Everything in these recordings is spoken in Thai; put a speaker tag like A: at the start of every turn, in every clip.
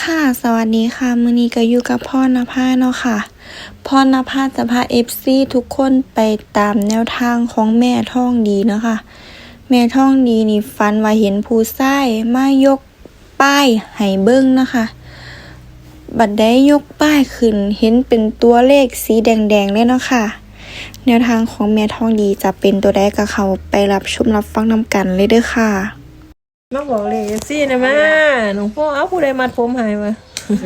A: ค่ะสวัสดีค่ะมื้อนี้ก็อยู่กับพ่อนภาเนาะค่ะพ่อนภาจะพา FC ทุกคนไปตามแนวทางของแม่ท่องดีเนาะค่ะแม่ท่องดีนี่ฝันว่าเห็นผู้ชายมายกป้ายให้เบิ่งนะคะบัดได้ยกป้ายขึ้นเห็นเป็นตัวเลขสีแดงๆเลยเนาะค่ะแนวทางของแม่ท่องดีจะเป็นตัวใดก็เข้าไปรับชมรับฟังนำกันเลยเด้อค่ะ
B: มาบอกเลยซี่นะแม่หลวงพ่อเอาผู้ใดมัดผมหายวะ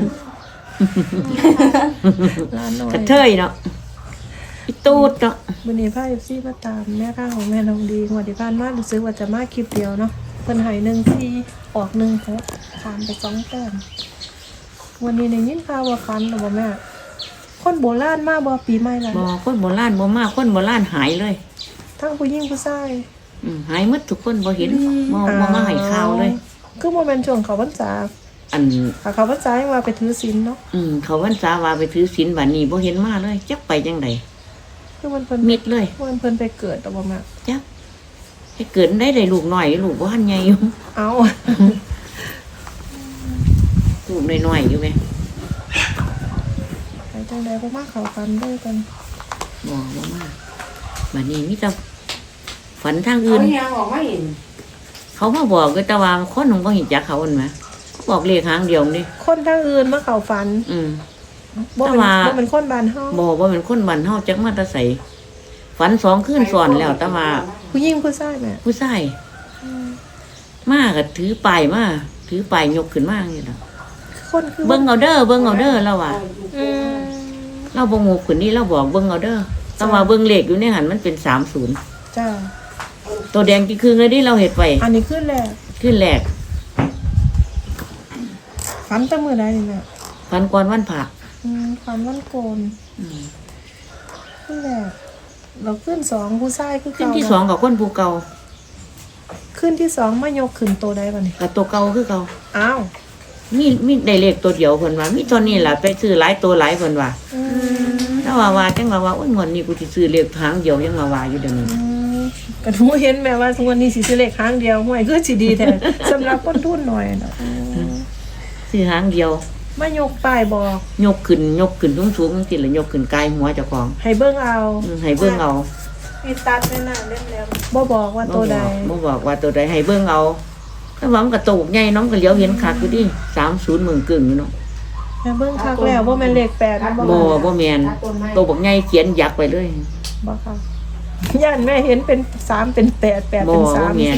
B: ร้านน้อย
C: กระเทยเนาะอีตูดเนาะ
B: วันนี้พาซี่มาตามแม่ข้างของแม่ทองดีงวดที่ผ่านมารู้สึกว่าจะมาคลิปเดียวเนาะเพิ่นให้1-4ออก1-6ผ่านไป2แต้มวันนี้ได้ยินข่าวว่าฟันหรือบ่แม่คนโบราณมาบ่ปีใหม่แล้ว
C: บ่คนโบราณบ่มาคนโบราณหายเลย
B: ทั้งผู้หญิงผู้ชาย
C: หายหมดทุกคนบ่เห็นบ่มาให้ข่าวเลย
B: คือบ่แม่นช่วงเขาพรรษา
C: อัน
B: ถ้าเขาพรรษายังว่าไปถือศีลเนาะ
C: เขาวันษาว่าไปถือศีลบัดนี้บ่เห็นมาเลยจักไปจังได๋
B: คือมันเพิ่น
C: มิดเลย
B: เพิ่นไปเกิดแต่บ่แม่
C: จักให้เกิดได้ลูกน้อยลูกบ่ทันใหญ่อยู่
B: เอา
C: ลูกน้อยๆอยู่แม่
B: ไปจังใดบ่มาเข้ากันด้วยกัน
C: บ่มาบัดนี้มีแต่ฝันทางอื่นเขามาบอกก็แต่ว่าคนหนึงบ่เห็นจักเขาอันแหมเขาบอกเลขหางเดียวนี่
B: คนทางอื่นมาเข้าฝัน บ่
C: แต่
B: เป็น
C: ว่า
B: บ่เป็นคนบ้านเฮา
C: บ่เป็นคนบ้านเฮาจักมาแต่ไสฝัน2คืนซ้อนแล้วแต่ว่า
B: ผู้หญิงผู้ชายแม่
C: ผู้ชายมาก็ถือป้ายมาถือป้ายยกขึ้นมาอย่างนี้ล่ะ
B: คนคือ
C: เบิ่งเอาเด้อแล้วว่า
B: อืม
C: เราบ่งูขึ้นนี่เราบอกเบิ่งเอาเด้อแต่ว่าเบิ่งเลขอยู่ในหันมันเป็น30
B: จ้า
C: ตัวแดงกี่ครึ่งเลยที่เราเฮ็ดไป
B: อันนี้ขึ้นแรก
C: ขึ้นแรก
B: ฝันแต่มื้อใดนี่แม่
C: ฝันก่อนวันผัก
B: ฝันวันโกนขึ้นแรกเราขึ้น2ผู้ชายคือ
C: ขึ้น
B: เก่า
C: ที่2กับคนผู้เก่า
B: ขึ้นที่2มายกขึ้นโตได้บัดนี้
C: กับตัวเก่าคือเก่า
B: อ้าว
C: มีได้เลขตัวเดียวเพิ่นว่ามีตัวนี้ล่ะไปซื้อหลายตัวหลายเพิ่นว่าแต่ว่าจังว่าโอ้ยงวดนี้กูสิซื้อเลขหางเดียวยังว่าอยู่เดี๋ยวนี้
B: ก็ทูเห็นแม่ว่าทุกวันนี้สิซื้อเลขครั้งเดียวห่วยคือสิดีแท้ สำหรับคนทุนหน่อยเนาะ
C: ซื้อหางเดียว
B: มายกป้ายบอก
C: ยกขึ้นสูงๆจังซี่ล่ะยกขึ้นกายหัวเจ้าของ
B: ให้เบิ่งเอา
C: ให้เบิ่งเอา
B: มีตัดแม่น่ะเล่นแล้วบ่บอกว่าตัวใด
C: บ่บอกว่าตัวใดให้เบิ่งเอาแต่ว่ามันก็โตกใหญ่น้องก็เหลียวเห็นคักอยู่ดิ30มึงกึ่งอยู่เนาะ
B: แม่เบิ่งคักแล้วบ่แม่นเลข8นะบ่
C: บ่แม่นโตบักใหญ่เขียนยักษ์ไปเลย
B: บ่ค่ะย่านแม่เห็นเป็น3เป็น8 8เป็น
C: บ่
B: 3
C: แม่น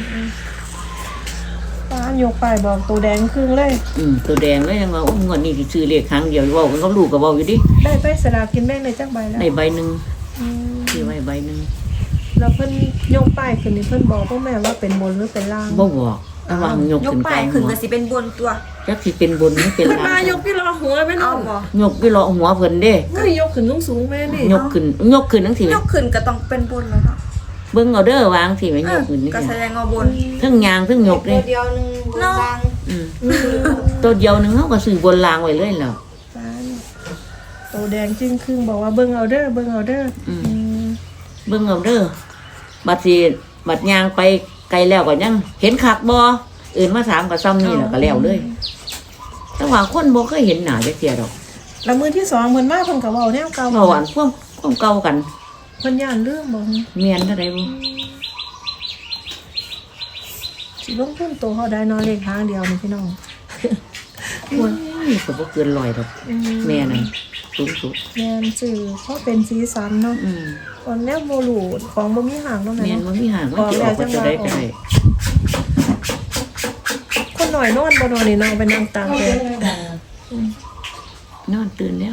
B: ป้ายกป้ายบอกตัวแดงครึ่งเลย
C: ตัวแดงเลยยังว่าโอ้งวดนี้สิซื้อเลขครั้งเดียวเว้ากันกับลูกก็เว้าอยู่ดิ
B: ได้ไปสลากกินแบ่งได้จักใบแล้ว
C: ได้ใบหนึง
B: อืม
C: ซื้อไว้ใบหนึง
B: แล้วเพิ่นยกป้ายขึ้นนี่เพิ่นบอกพ่อแม่ว่าเป็นบนหรือเป็นล่าง
C: บ่บอกแต่ว่ายก
D: ยก
C: ขึ้น
D: ป้า
C: กาย ย
D: ขึ้น
C: หัว
D: ก็สิเป็นบนตัว
C: จักสิเป็นบนหรือเป็น
B: เพิ่น
C: ล่าม
B: าง ยกที่รอหัวแม่
D: เอา
B: น้อง
D: บ่
C: ยกอยู่เลาะหัวเพิ่นเด้
B: เฮ้ยยกขึ้นสูงๆแม่นี่
C: ยกขึ้นจังซี่
D: ยกขึ้นก็ต้องเป็นบนแล้วเนาะ
C: เบิ่งเอาเด้อวางสิแม่ยกขึ้นนี่
D: ก็แสดงว่าบน
C: เทั้งยางเทั้งยกเด้
D: เดียวนึงบนล่าง
C: ตัวเดียวหนึงเฮาก็ซื้อบนรางไว้เลยแล้ว
B: ตัวแดงจึงครึ่งบอกว่าเบิ่งเอาเด้อเบิ่งเอาเด้ออ
C: เบิ่งเอาเด้อบัดยางไปไกลแล้วก็ยังเห็นคักบ่อื่นมาถามก็ซ้ำนี่แล้วก็แล้วเลยแต่ว่าคนบ่เคยเห็นหน้าจักเที่ยดอก
B: แล้วมื้อที่2เพิ่นมาเพิ่นก็เว้าแนวเก่า
C: เว้าอันความเก่ากัน
B: เพิ่นย่านเรื่องบ่
C: เมียนเท่าใดบ่
B: สิลงทุนโตเฮาได้เนาะเลขทางเดียวนี่พี่น้อง
C: ก็บ่เกิน100ดอกแม่นั่นสูงสุด
B: แม่นสื่อเพราะเป็นสีสันเนาะตอนแนวบ่รู้ของบ่มีหางเนาะแม่
C: แม่น
B: เนาะ
C: บ่มีหางมันสิออกว่าจะได้ก็ได้
B: คนหน่อยนอนบ่นอนนี่นอนไปนั่งตามแดด
C: นอนตื่นแล้ว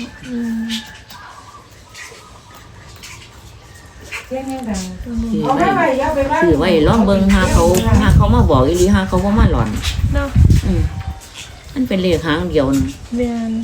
C: ซื้อไว้ลองเบิ่งหาเขามาบอกอีหลีหาเขาบ่มาหลอน
B: เนาะ
C: มันเป็นเลขหางเดียวนึง
B: แม่น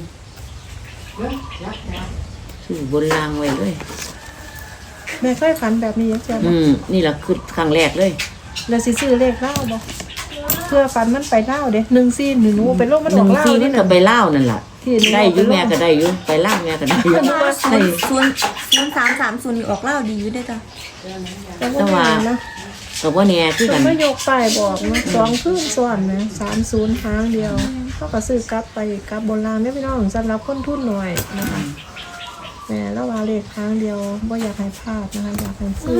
C: ซื้อบนรางไว้เลย
B: แม่เคยฝันแบบนี้จังซี่บ่
C: นี่ล่ะคือครั้งแรกเลย
B: แล้วสิซื้อเลขเล่าบ่เพื่อฝันมันไปเล่าเด้1-4หนูไปลงมันออกเล่า
C: 1-4
B: นี่
C: นี่ก็
B: น่ะ
C: ไปลาวนั่นล่ะ
B: ที่หนู
C: ได้อยู่แม่ก็ได้อยู่ไปลาวแม่ก็ได้อยู่
D: แต่ว่า
C: ได้
D: 0 3 3 0นี่ออกเล่าดีอยู่ได้อจ้ะ
B: แต่ว่าเนาะ
C: ก็บ่แน่คือ
B: เพิ่
C: กัน น
B: มายกป้ายบอกเนาะ2คืนซ้อนนะ30หางเดียวเขาก็ซื้อกลับไปกลับบนรางได้พี่น้องสำหรับคนทุนหน่อยนะคะแม่แล้วว่าเลขครั้งเดียวบ่อยากให้พลาดนะคะอยากให้ซื้อ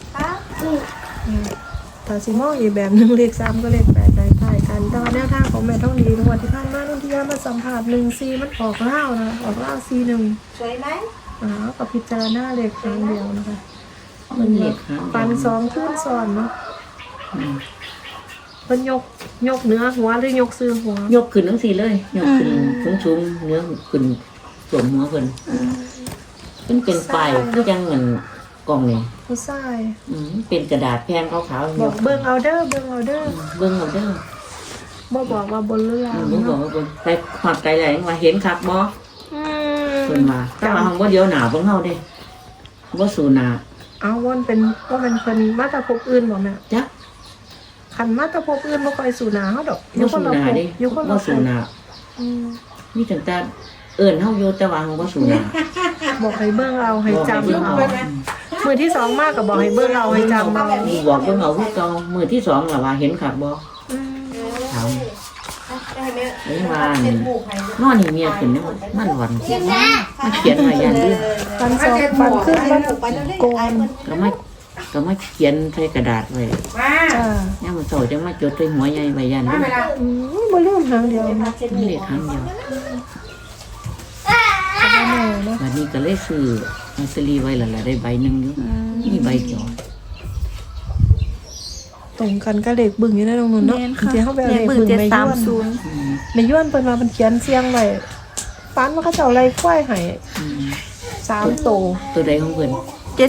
B: ถ้าสิมองอีกแบบหนึงเลข3ก็เลข8ได้ใกล้กันแต่ว่าแนวทางของแม่ท่องดีงวดที่ผ่านมานุ่นที่ยามาสัมผัส14มันออกเล่าวนะออกเล่าว41
D: สวยไหม
B: กับพิจารณาเลขครั้งเดียวนะคะ
C: มันเลขหาง
B: ปัน2คืนซ้อนเนาะเพิ่นยกเนื้อหัวหรือยกซื้อหัวย
C: กขึ้นจังซี่เลยยกขึ้นสูงๆเนื้อขึ้นสวมหัวเพิ่นมันเป็นป้ายคือจังเงินกล่องนี่
B: ผู้ชาย
C: เป็นกระดาษแผ่นขาวๆ
B: บอกเบิ่งเอาเด้อเบิ่งเอาเด้อ
C: เบิ่งเอาเด้อ
B: บ่บอกว่าบนหรือล่าง
C: บ่บอก
B: เนาะ
C: ว่าเบิ่งไปฮอดไกลแล้วยังว่าเห็นคักบ่
B: อืม
C: เพิ่นว่าแต่ว่าหังบ่เดียวหน้าเบิ่งเฮาเด้บ่สู่หน้า
B: เอาวนเป็นว่ามันเป็นมาตรภพอื่นบ่แม่
C: จัก
B: คันมาตรภพอื่นบ่ค่อยสู่หนาเฮาดอก
C: บ่สู่หน้าเด้
B: อยู่คน
C: บ่
B: ละภ
C: สู่
B: พ
C: หน้า
B: อืม
C: มีตั้งแต่เอิ้นเฮาอยู่แต่ว่าหังบ่สู่หน้า
B: บอกให้เบิ่งเอาให้จำ
C: บอก
B: เอา
C: ให้เบิ่งเอา
B: มือที่สองมากก็บอกให้เบิ่งเอาให้จำเอา
C: บอกเบิ่งเอาคือเก่ามื้อที่สองล่ะว่าเห็นคักบ่
B: อืม
C: ถามนี่ว่านอนนี่เมียขึ้นนี่มันหวันมาเขียนไว้อย่างนี้
B: ปันสองปันขึ้นมันโกน
C: ก็มาเขียนใส่กระดาษไว้
B: จ้า
C: ย่ามมื้อเช้าจะมาจดใส่หัวใหญ่ไว้ยันนี่
B: บ่ลืมหางเดียวนะ
C: มันเลขครั้งเดียว
B: ก็บ่แน่เนาะ
C: วันนี้ก็เลยซื้อลอตเตอรี่ไว้แล้วล่ะได้ใบหนึงอยู่มีใบเดียว
B: ตรงกันก็เลขบึ้งอยู่ในตรงนู้นเนาะ
A: แม่น
B: จ
A: ค่ะ
B: ริงๆเฮาไปเอา
A: เล
B: เล
A: ข
B: ข
A: บึ้
B: บึ้
A: ง
B: งไปย้วน
A: 730
B: ไปย้วนเพิ่นว่าเพิ่นเขียนเสียงไว้ปันว่าเขาเจ้าไล่ควายให้
C: อืม
B: 3โต
C: ตัวใดของเพิ่น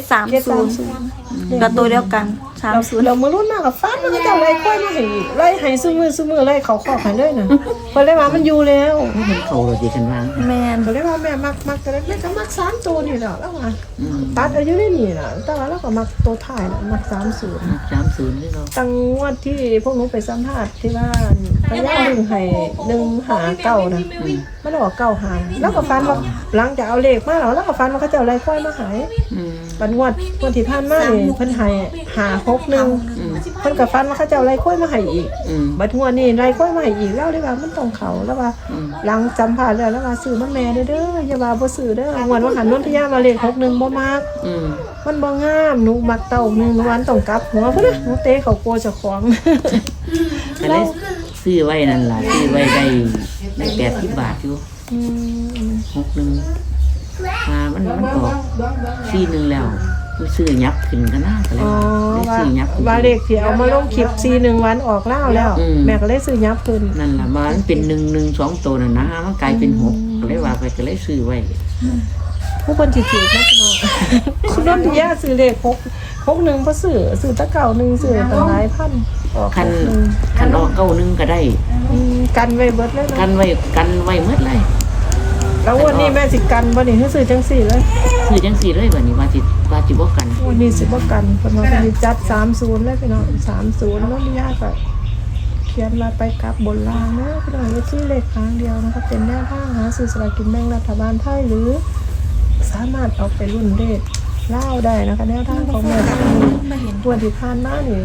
A: 730กับตัวเดียวกัน30
B: เรามื้อรุ่นมากกับฟันมันก็จะไล่ควายมาให้อีกไล่ให้ซุมือไล่เขาขอกให้เลยนะเพิ่นเลยว่ามันอยู่แล้ว
C: มันเป็นเขาเราดีกันวาง
A: แม่น
B: เพิ่นเลยว่าแม่มักก็เลยแม่ก็มัก3ตัวนี่แหละแล้วว่า
C: อืม
B: ตัดอายุได้นี่น่ะแต่ว่าเราก็มักตัวท้ายน่ะมัก30
C: 30นี่เรา
B: ตั้งงวดที่พวกหนูไปสัมภาษณ์ที่ว่าพยาดึงให้159นะมันออก9หาแล้วก็ฟันว่าหลังจากเอาเลขมาแล้วก็ฟันว่าเขาจะเอาไล่ควายมาให้
C: อืม
B: ปันงวดที่ผ่านมานี่เพิ่นให้561
C: อืม
B: เพิ่นก็ฟันว่าเขาจะเอาไล่ควายมาให้อีก
C: อืม
B: บัดงวดนี้ไล่ควายมาให้อีกแล้วได้ว่ามันต้องเขาแล้วว่า
C: อืม
B: หลังจำผ่านแล้วว่าซื้อมันแม่เด้ออย่าว่าบ่ซื้อเด้องวดว่าหันนนทยามาเลข61บ่มัก
C: อืม
B: มันบ่งามหนูมักเต้าหนึงวันต้องกลับหัวพุ่นน่ะหนูเตะเขาโกเจ้าของ
C: ก็เลยซื้อไว้นั่นล่ะซื้อไว้ได้80 บาทอยู่
B: อืม
C: 61มามันออก41แล้วกูซื้อยับขึ้นก็น่าก็เลย
B: อ๋อ
C: ได้
B: ว่า
C: ซื้อยับขึ้น
B: ว่าเลขที่เอามาลงคลิป41วันออกแล้วแล้ว
C: อืม
B: แม่ก็เลยซื้อยับขึ้น
C: นั่นล่ะมามันเป็น1 2ตัวน่ะนะมันกลายเป็น6ก็เลยว่าไปก็เลยซื้อไว้
B: ผู้คนสิถือนะพี่น้อง คุณนนทยาซื้อเลข61บ่ซื้อตะเก่านึงซื้อตั้งหลายพันออก
C: คัน
B: 61
C: คันออก91ก็ได้
B: กันไว้เบิดเลย
C: กั
B: เนาะ
C: นไว้หมดเลย
B: แล้ววันนี้แม่สิกันบ่นี่ให้ซื้อจังสี่เลย
C: ซื้อจังซี่เลยบัดนี้ว่าสิบ่กัน
B: วันนี้สิบ่กันเพิ่นว่าเพิ่นสิจัด30เลยพี่น้อง30แล้วมีญาติก็เขียนมาไปกลับบนล่างนะพี่น้องเลขที่เลขครั้งเดียวนะคะเป็นแนวทางหาซื้อสลากกินแบ่งรัฐบาลไทยหรือ สามารถเอาไปรุ่นเลขเล่าได้นะคะแนวทางของแม่ทางนี้วันที่ผ่านมานี่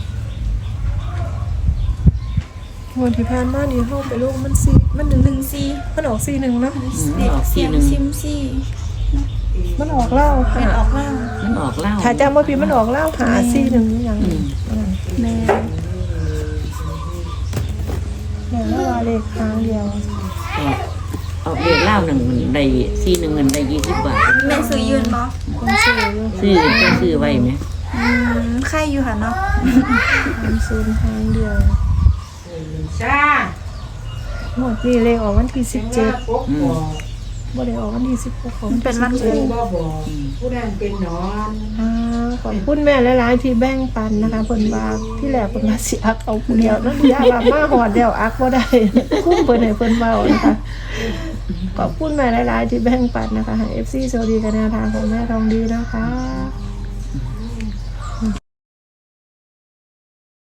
B: วันที่ผ่านมานี่เฮาไปลงมันมัน1มันออก41เนาะ
C: ออกทีหนึง
B: มันออกเล่า
A: เป็นออกเล่า
C: มันออกเหล้า
B: ถ้าจำว่าพี่มันออกเล่าหา41อย่าง
C: อืม
A: แม่
B: แม่ว่าเลขครั้งเดียว
C: ออกเลขเหล้าหนึ่งมันได้41เงินได้20 บาท
A: แม่ซื้อยืนบ่
B: คนซื้ออยู่
C: ซื้อไว้ไหม
A: ใครอยู่ค่ะเนาะ
B: 30ครั้งเดียวหมดนี่เลขออกวันที่17
C: อืม
B: บ่ได้ออกวันที่16ของ
A: เป็นวันครู
B: ขอบคุณแม่หลายๆที่แบ่งปันนะคะเพิ่นว่าที่แรกเพิ่นว่าสิอักเอาผู้เดียวนั่นยาว่ามาฮอดแล้วอักบ่ได้ คุ้มเพิ่นให้เพิ่นเว้านะคะขอบคุณแม่หลายๆที่แบ่งปันนะคะให้ FC สวัสดีกันแนวทางของแม่ทองดีนะคะ